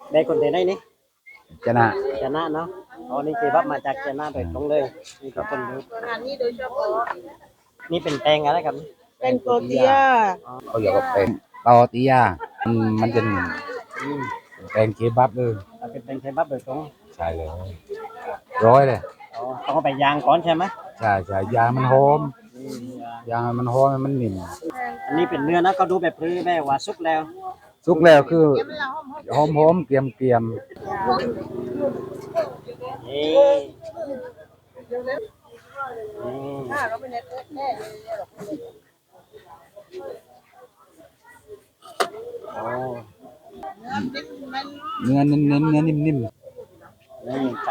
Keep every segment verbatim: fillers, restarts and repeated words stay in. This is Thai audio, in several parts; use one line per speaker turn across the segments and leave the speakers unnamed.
ได้คนที่ได้นี่
ชนะ
ชนะเนาะอ๋อนี่เคบับมาจากชนะโดยตรงเลยนี่ทุกคนดู
งานนี้โดยเฉพาะ
นี่เป็นแตงอะไรครับ
เป็นโกเตีย
เขาอยากว่าเป็นเตาติยามันมันจะ
อืม
แปลงเคบับเลย
เอาเป็นแตงเคบับโดยตรง
ใช่เลยร้อยเลย
อ๋อต้องเอาไปย่างก่อนใช่ไหม
ใช่ใช่ยางมันหอม
อืมย่าง
ยางมันหอมมันนิ่ม
อันนี้เป็นเนื้อนะก็ดูแบบพื้นแม่ว่าสุกแล้ว
สุกแล้วคือหอมหอมเกรียมเกรียม
นี่นี่โอ้
เนื้อเน้นเน้นเนื้อนิ่มนิ่ม
นี่ไก่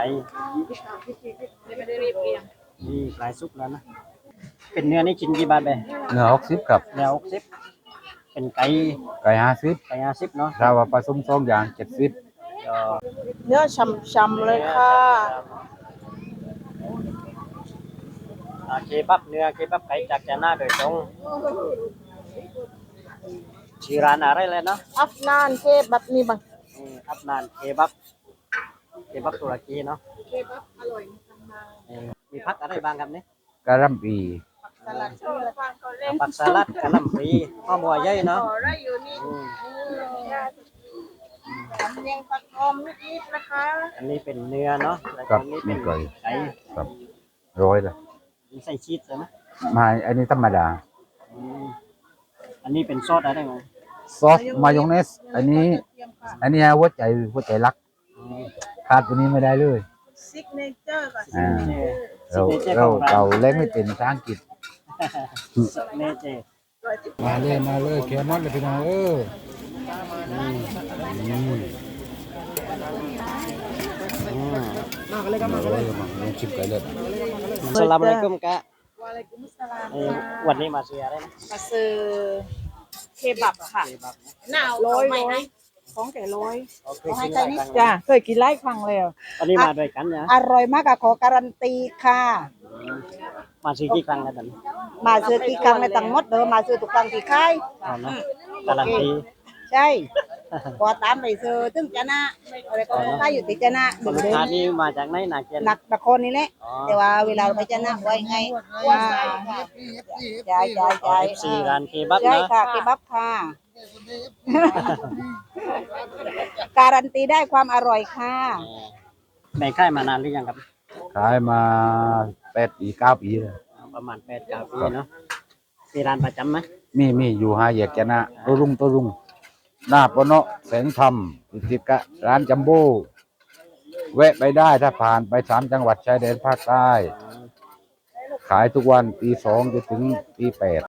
นี่ปลายสุกแล้วนะเป็นเนื้อนี่ชิ้นกี่บาทไป
เนื้อหกสิบกับ
เนื้อหกสิบเป็นไก่
ไก่ห้าสิบ
ไก่ห้าสิบเนาะ
ถ้าว่าผสมสองอย่างเจ็ดสิบ
ก็
เนื้อช่ำๆเลยค่ะ
อ่าเคบับเนื้อเคบับไก่จากจาน่าโดยตรงชื่อร้านอะไรเลยเนาะ
อัฟนานเคบับนี่บัง
นี่อัฟนานเคบับเคบับตุรกีเนาะ
เคบับอร่อยมาก
นี่มีผักอะไรบ้างครับเนี่ย
กะหล่ำปี
สลัดชื่อฟังเขาเล่น
ผักสลัดกะหล่ำปลีข้าวบัวใหญ่เนาะ
ขอได้อยู่นี่สำเนียงปักอมนิดๆนะคะ
อันนี้เป็นเนื้อเนาะแล้วก็
กับ
อันนี้เป็
มี
น
ไก่
ไก่
ครับร้อยเลย
มีใส่ชีสใช่ไหม
มาอันนี้ธรรมดา
อืมอันนี้เป็นซอสอะไรไหม
ซอสมายองเนสอันนี้ อันนี้หัวใจหัวใจรักขาดตัวนี้ไม่ได้เลย
ซิกเนเจอร์กับ
อ่า
ซิกเนเจอร์
เรา
ของร้าน
เราเล่นไม่เป็นภาษาอังกฤษ
ซิกเนเจอร์
มาเลยมาเลยแคมอนเลยพี่น้องเอออืมอืม
อืม
มาเลยมาเลยมาลองชิมไก่เลย
อัสสลามุอะลัยกุมกะ
วะอะลัยกุมุสสลาม
เอ่อวันนี้มาซื้ออะไรนะ
มาซื้อเคบับค่ะ
เคบับนะ
หนาวร้อยร้อยของแก่ร้อย
โอเคกินหลายครั้ง
จ้า
แล้ว
เคยกินไล่ครั้งแล้ว
วันนี้มาด้วยกันนะ
อร่อยมากอะขอการันตีค่ะ
มาซื้อกี่ครั้งแล้วตอนนี้
มาซื้อกี่ครั้งในตังหมดเดิมมาซื้อทุกครั้งที่ค่าย
เอาเนาะการันตี
ใช่พอตามไปซื้อถึงจะนะอะไรก็ค่ายอยู่ติดจะนะ
คน
เดิม
ลูก
เดิ
ค้าม นี่มาจากไหนนาเกียน
หนักตะคนนี่แหละ
อ๋อ
แต่ว่าเวลาเราไปจะนะไว้ไงว่าใช่ใช่
อ๋อ
ใช่
เอฟซีร้านเคบับ
ใช่
นะ
ค่ะเคบับค่ะ การันตีได้ความอร่อยค่ะ
แบ่งค่ายมานานหรือยังครับ
ขายมาแปดปีเก้าปีเลย
ประมาณแปดเก้าปีเนาะมีร้านประจำไหม
มีมีอยู่ห้าแยกแกนะตัวรุ่งตัวรุ่งหน้าปะเนาะแสงธรรมติดติดกะร้านจัมโบ้แวะไปได้ถ้าผ่านไปสามจังหวัดชายแดนภาคใต้ ขายทุกวันตีสองจนถึงตีแปด